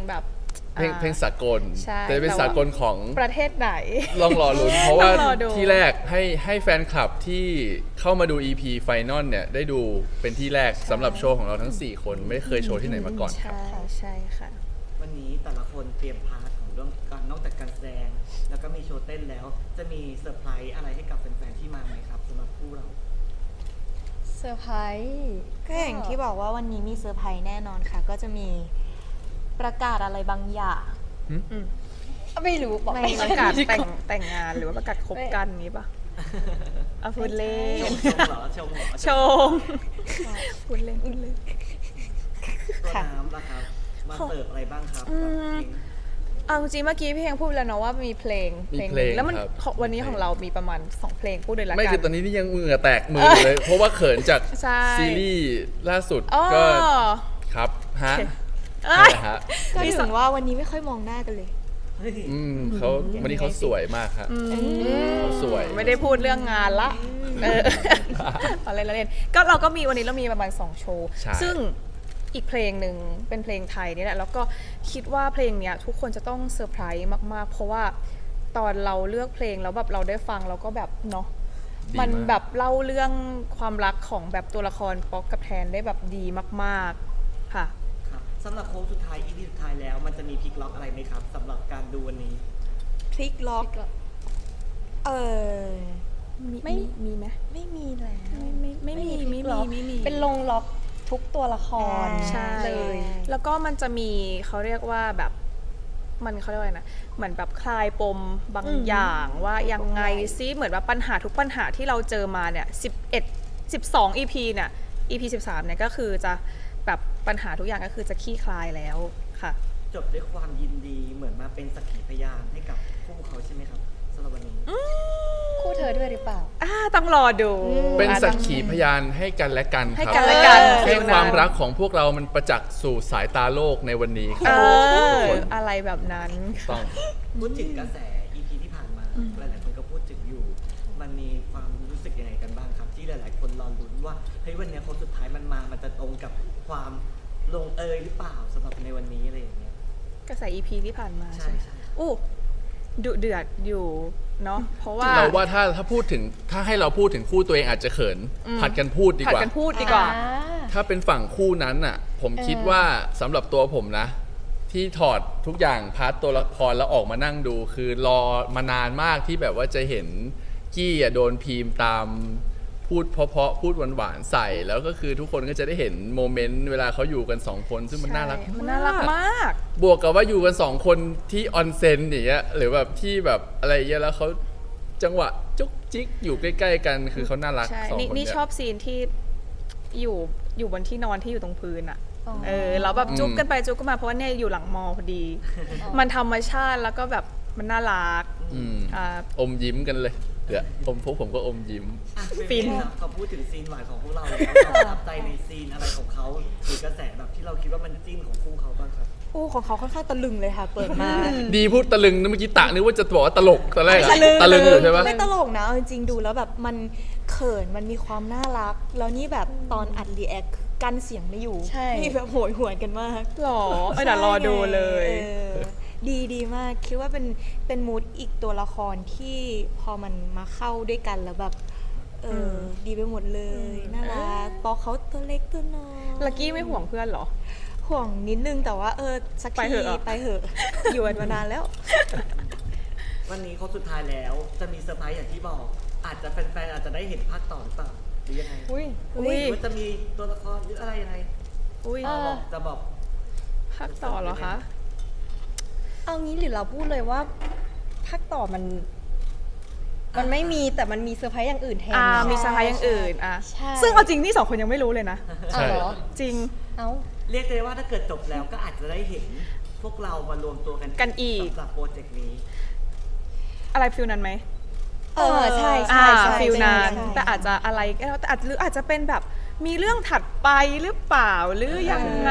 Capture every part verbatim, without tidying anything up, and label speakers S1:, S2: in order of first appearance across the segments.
S1: แบบ
S2: เพลงเพลงสากล
S1: ใช่
S2: แต่เป็นสากลของ
S1: ประเทศไหน
S2: ลองรอลุ้นเพราะว่า
S1: ต้องรอดู
S2: ที่แรกให้ให้แฟนคลับที่เข้ามาดู อี พี Final เนี่ยได้ดูเป็นที่แรกสำหรับโชว์ของเราทั้งสี่คนไม่เคยโชว์ที่ไหนมาก่อนครับ
S1: ใช่ใช่ค่ะ
S3: วันนี้แต่ละคนเตรียมพาร์ทของเรื่องการนอกจากการแสดงแล้วก็มีโชว์เต้นแล้ว จะมีเซอร์ไพรส์อะไรให้กับแฟนๆที่มาไหมครับสำหรับคู่เรา
S4: เซอร์ไพรส์ก็อย่างที่บอกว่าวันนี้มีเซอร์ไพรส์แน่นอนค่ะ ก็จะมีประกาศอะไรบางอย่าง
S1: อืม
S4: ไม่รู้บอก
S1: ไม่
S4: ไม่
S1: ประกาศแต่งแต่งงานหรือว่าประกาศคบกันนี้ปะเอาพูดเล่น
S3: ชมชมเหรอชมเหรอ
S1: ชมพูดเล่นพูดเล่น
S3: ตัวน้ำล่ะครับมาเสิร์ฟอะไรบ้างครับ
S1: อื
S3: กับ
S1: ม
S3: เพลง
S1: เอาจริงๆเมื่อกี้พี่ยังพูดแล้วเนาะว่ามีเพลง
S2: มี
S1: หนึ่
S2: เพลง
S1: แล้วมัน
S2: ครับ
S1: ของวันนี้ของเรามีประมาณสองเพลงพูดเลยละกัน
S2: ไม่คือตอนนี้นี่ยังเหงื่อแตกมือเลย เพราะว่าเขินจาก
S1: ใช่
S2: ซีรีส์ล่าสุด
S1: อ๋อ
S2: ก็ครับฮะ
S1: เอ้
S2: นั่น
S1: ย
S2: แหละฮะ
S4: ก็ถึงว่าวันนี้ไม่ค่อยมองหน้ากันเลย
S3: เฮ้ย
S2: อืมเขาวันนี้เขาสวยมากครับ เขาสวย
S1: ไม่ได้พูดเรื่องงานละเอออะไรละเล่นก็เราก็มีวันนี้เรามีประมาณสองโชว์
S2: ใช่
S1: ซึ่งอีกเพลงหนึ่งเป็นเพลงไทยนี่แหละแล้วก็คิดว่าเพลงเนี้ยทุกคนจะต้องเซอร์ไพรส์มากๆ เพราะว่าตอนเราเลือกเพลงแล้วแบบเราได้ฟังเราก็แบบเนาะ
S2: ดี
S1: มัน
S2: มาก
S1: แบบเล่าเรื่องความรักของแบบตัวละครป๊อกกับแทนได้แบบดีมากๆค่ะ
S3: ครับสำหรับโค้งสุดท้าย อี พี สุดท้ายแล้วมันจะมีพลิกล็อกอะไรไหมครับสำหรับการดูวันนี้
S4: พลิกล็อกเออ
S1: ไม่
S4: ไม่
S1: มีไหม
S4: ไม่มีแล้ว
S1: ไม่ไม่ไม่มี
S4: ไม่มี
S1: ไม่
S4: พลิกล็
S1: มี
S4: อก
S1: ไม่มี
S5: เป็นลงล็อกทุกตัวละคร
S1: ใช่
S5: เลย
S1: แล้วก็มันจะมีเขาเรียกว่าแบบมันเขาเรียกว่าอะไรนะเหมือนแบบคลายปมบางอย่างว่ายังไงซิเหมือนว่าปัญหาทุกปัญหาที่เราเจอมาเนี่ยสิบเอ็ด สิบสอง อี พี เนี่ย อี พี สิบสามเนี่ยก็คือจะแบบปัญหาทุกอย่างก็คือจะคลี่คลายแล้วค่ะ
S3: จบด้วยความยินดีเหมือนมาเป็นสักขีพยานให้กับคู่เขาใช่ไหมครับสำหรับวันนี้
S5: คู่เธอด้วยหรือเปล่า
S1: อ่าต้องรอดู
S2: เป็น
S1: อ่า
S2: สัก
S1: ต้อง
S2: ขีพยานให้กันและกัน
S1: ให้
S2: ครับ
S1: กันและกัน
S2: ให้ความรักของพวกเรามันประจักษ์สู่สายตาโลกในวันนี้ค
S1: เอ
S2: รับ
S1: ออะไรแบบนั้น
S2: ต้อง
S3: พูดถึงกระแส อี พี ที่ผ่านมาหลายๆคนก็พูดถึงอยู่ มันมีความรู้สึกยังไงกันบ้างครับ ที่หลายๆคนรอลุ้นว่าเฮ้ยวันนี้คนสุดท้ายมันมา มันจะตรงกับความลงเอยหรือเปล่าสำหรับในวันนี้อะไรอย่างเงี้ย
S1: กระแส อี พี ที่ผ่านมา
S3: ใช่
S1: ใช่ไหม
S3: ใช่
S1: อู้ดุเดือดอยู่เนาะเพราะว่า
S2: เราว่าถ้าถ้าพูดถึงถ้าให้เราพูดถึงคู่ตัวเองอาจจะเขิน
S1: อืม
S2: ผัดกันพูดดี
S1: ผัด
S2: กว่า
S1: กันพูดดีกว่า
S2: ถ้าเป็นฝั่งคู่นั้นน่ะ ผมคิดว่าสำหรับตัวผมนะ ที่ถอดทุกอย่างพาร์ทตัวละครแล้วออกมานั่งดู คือรอมานานมากที่แบบว่าจะเห็นกี้อ่ะโดนพีมตามพูดเพราะๆพูดหวานๆใส่ แล้วก็คือทุกคนก็จะได้เห็นโมเมนต์เวลาเขาอยู่กันสองคนซึ่งมันน่ารัก
S1: มันน่ารักมาก
S2: บวกกับว่าอยู่กันสองคนที่ออนเซ็นอย่างเงี้ยหรือแบบที่แบบอะไรเงี้ยแล้วเขาจังหวะจุกจิกอยู่ใกล้ๆกันคือเขาน่ารัก
S1: ใช่
S2: สอง
S1: นี่
S2: คน
S1: นี่
S2: เย
S1: ชอบซีนที่อยู่อยู่บนที่นอนที่อยู่ตรงพื้นอะ
S5: อ๋อ
S1: เออแล้วแบบ
S2: อืม
S1: จุ๊บกันไปจุ๊บกันมาเพราะว่าเนี่ยอยู่หลังมอพอดี มันธรรมชาติแล้วก็แบบมันน่ารัก
S2: อืม
S1: อ่า
S2: อมยิ้มกันเลยเดี๋ยวอมพวกผมก็อมยิ้ม
S3: อ่ะ
S1: ฟิน
S3: ครับเขาพูดถึงซีนหวานของพวกเราแล้วเราประทับใจในซีนอะไรของเขาหรือกระแสแบบที่เราคิดว่ามันจิ้นของคู่เขาบ้างครับ
S4: อู้ของเขาค่อนข้างตะลึงเลยค่ะ เปิดมา
S2: ดีพูดตะลึงนะเมื่อกี้ตะนึกว่าจะบอกว่าตลกตอนแรกอะตะลึงอยู่ใช่ปะ
S4: ไม่ตลกนะเอาจริงๆดูแล้วแบบมันเขินมันมีความน่ารัก แล้วนี่แบบตอนอัดรีแอคกั้นเสียงไม่อยู่
S5: ใช่
S4: นี่แบบโหยหวนกันมาก
S1: หรอเออเดี๋ยวรอดูเลย
S4: ออดีดีมาก คิดว่าเป็นเป็นมูดอีกตัวละครที่พอมันมาเข้าด้วยกันแล้วแบบ เอออดีไปหมดเลย น่ารักปอเขาตัวเล็กตัวน้อย
S1: ลักกี้ไม่ห่วงเพื่อนเหรอ
S4: ห่วงนิดนึงแต่ว่าเออสัก
S1: ไป
S4: ที
S1: เถอะ
S4: ไปเหอะ อยู่กันมานานแล้ว
S3: วันนี้เขาสุดท้ายแล้วจะมีเซอร์ไพรส์อย่างที่บอก อาจจะแฟนๆอาจจะได้เห็นภาคต่อหรือเปล่าหรือยังไง
S5: อุ้ย
S1: อุ้ย
S3: หรือว่าจะมีตัวละครหรืออะไรยังไง
S1: อุ้ย
S5: เออ
S3: บอกจะบอก
S1: ภาคต่อเหรอคะ
S5: เอางี้หรือเราพูดเลยว่าภาคต่อมัน มันไม่มีแต่มันมีเซอร์ไพรส์อย่างอื่นแทน
S1: อ่า
S5: ไง
S1: มีสไพรส์อย่างอื่นอ่ะ
S5: ใช่
S1: ซึ่งเอาจริงนี่สองคนยังไม่รู้เลยนะ
S5: เอาเหรอ
S1: จริง
S5: เอา
S3: เรียกได้ว่าถ้าเกิดจบแล้วก็อาจจะได้เห็นพวกเรามารวมตัวกัน
S1: กันอีก
S3: สำหรับโปรเจกต์นี้
S1: อะไรฟิลนั้นไหม
S5: เออใช่ใช่
S1: อ่า
S5: ใช่
S1: ฟิลนั้น
S5: ใช่
S1: แต่อาจจะอะไรก็แล้วแต่อาจหรืออาจจะเป็นแบบมีเรื่องถัดไปหรือเปล่าหรือยังไง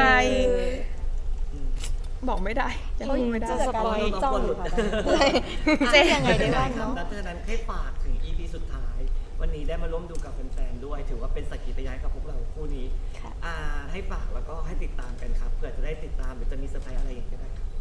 S1: บอกไม่ได้ยังพูดไม่ได้
S5: จะสปอย
S3: เรา
S5: จ้อง
S3: ควร
S5: อ
S3: หลุ
S5: ยู่
S3: ด
S5: ค่ะ
S1: เจ๊
S4: ยังไงได้บ้างเนอะ
S3: ดังนั้นให้ฝากถึง อี พี สุดท้าย วันนี้ได้มาร่วมดูกับแฟนๆด้วย ถือว่าเป็นสักขีพยานกับพวกเราคู่นี้
S4: ค่ะ
S3: อ่าให้ฝากแล้วก็ให้ติดตามกันครับเผื่อจะได้ติดตามหรือจะมีเซอร์ไพรส์อะไรอย่างเงี้ยก็ได้ครับ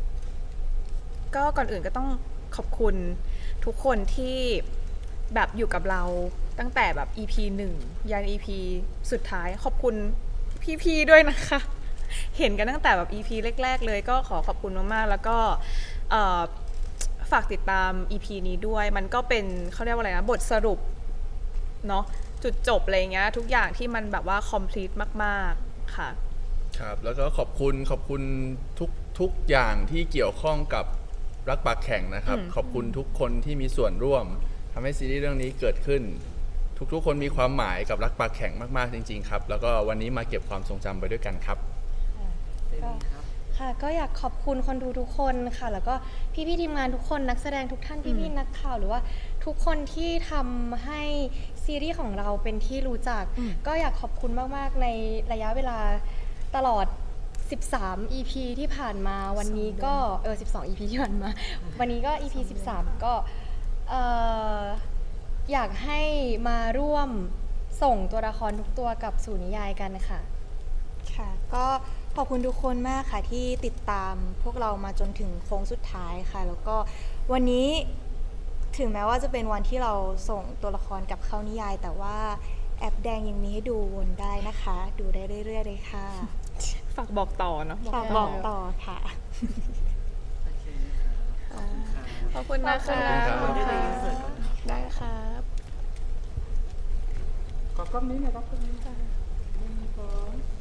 S1: ก็ก่อนอื่นก็ต้องขอบคุณทุกคนที่แบบอยู่กับเราตั้งแต่แบบ อี พี หนึ่งยัน อี พี สุดท้ายขอบคุณพี่ๆด้วยนะคะ เห็นกันตั้งแต่แบบ อี พี แรกๆเลยก็ขอขอบคุณมากๆแล้วก็เอ่อฝากติดตาม อี พี นี้ด้วยมันก็เป็นเขาเรียกว่าอะไรนะบทสรุปเนาะจุดจบอะไรเงี้ยทุกอย่างที่มันแบบว่า complete มากๆค่ะ
S2: ครับแล้วก็ขอบคุณขอบคุณทุกทุกอย่างที่เกี่ยวข้องกับรักปากแข่งนะครับ
S1: อืม
S2: ขอบคุณทุกคนที่มีส่วนร่วมทำให้ซีรีส์เรื่องนี้เกิดขึ้น ทุกๆ คนมีความหมายกับรักปากแข่งมากๆจริงๆครับแล้วก็วันนี้มาเก็บความทรงจำไปด้วยกันครับ
S3: เซนีครับ
S5: ค่ะก็อยากขอบคุณคนดูทุกคนค่ะ แล้วก็พี่ๆทีมงานทุกคนนักแสดงทุกท่านพี่ๆนักข่าวหรือว่าทุกคนที่ทำให้ซีรีส์ของเราเป็นที่รู้จัก
S1: อืม
S5: ก็อยากขอบคุณมากๆในระยะเวลาตลอด สิบสาม อี พี ที่ผ่านมาวันนี้ก็เออ สิบสอง อี พี ที่ผ่านมา วันนี้ก็ อี พี สิบสาม ก็เอ่ออยากให้มาร่วมส่งตัวละครทุกตัวกลับสู่นิยายกันค่ะ
S4: ค่ะก็ขอบคุณทุกคนมากค่ะที่ติดตามพวกเรามาจนถึงโค้งสุดท้ายค่ะ แล้วก็วันนี้ถึงแม้ว่าจะเป็นวันที่เราส่งตัวละครกลับเข้านิยาย แต่ว่าแอปแดงยังมีให้ดูวนได้นะคะ ดูได้เรื่อยๆเลยค่ะ
S1: ฝากบอกต่อเนาะ
S4: ฝากบอกต่อค่ะ
S3: โอเคนะครับขอบคุณครับ
S1: ขอบคุณนะคะ
S2: ขอบคุณครับ
S3: เดี๋ยวเราอินเสิร์ตก่อนนะครับ
S1: ได้ครับ
S6: ขอกล้องนี้หน่อยครับกล้องนี้ค่ะหนึ่งสอง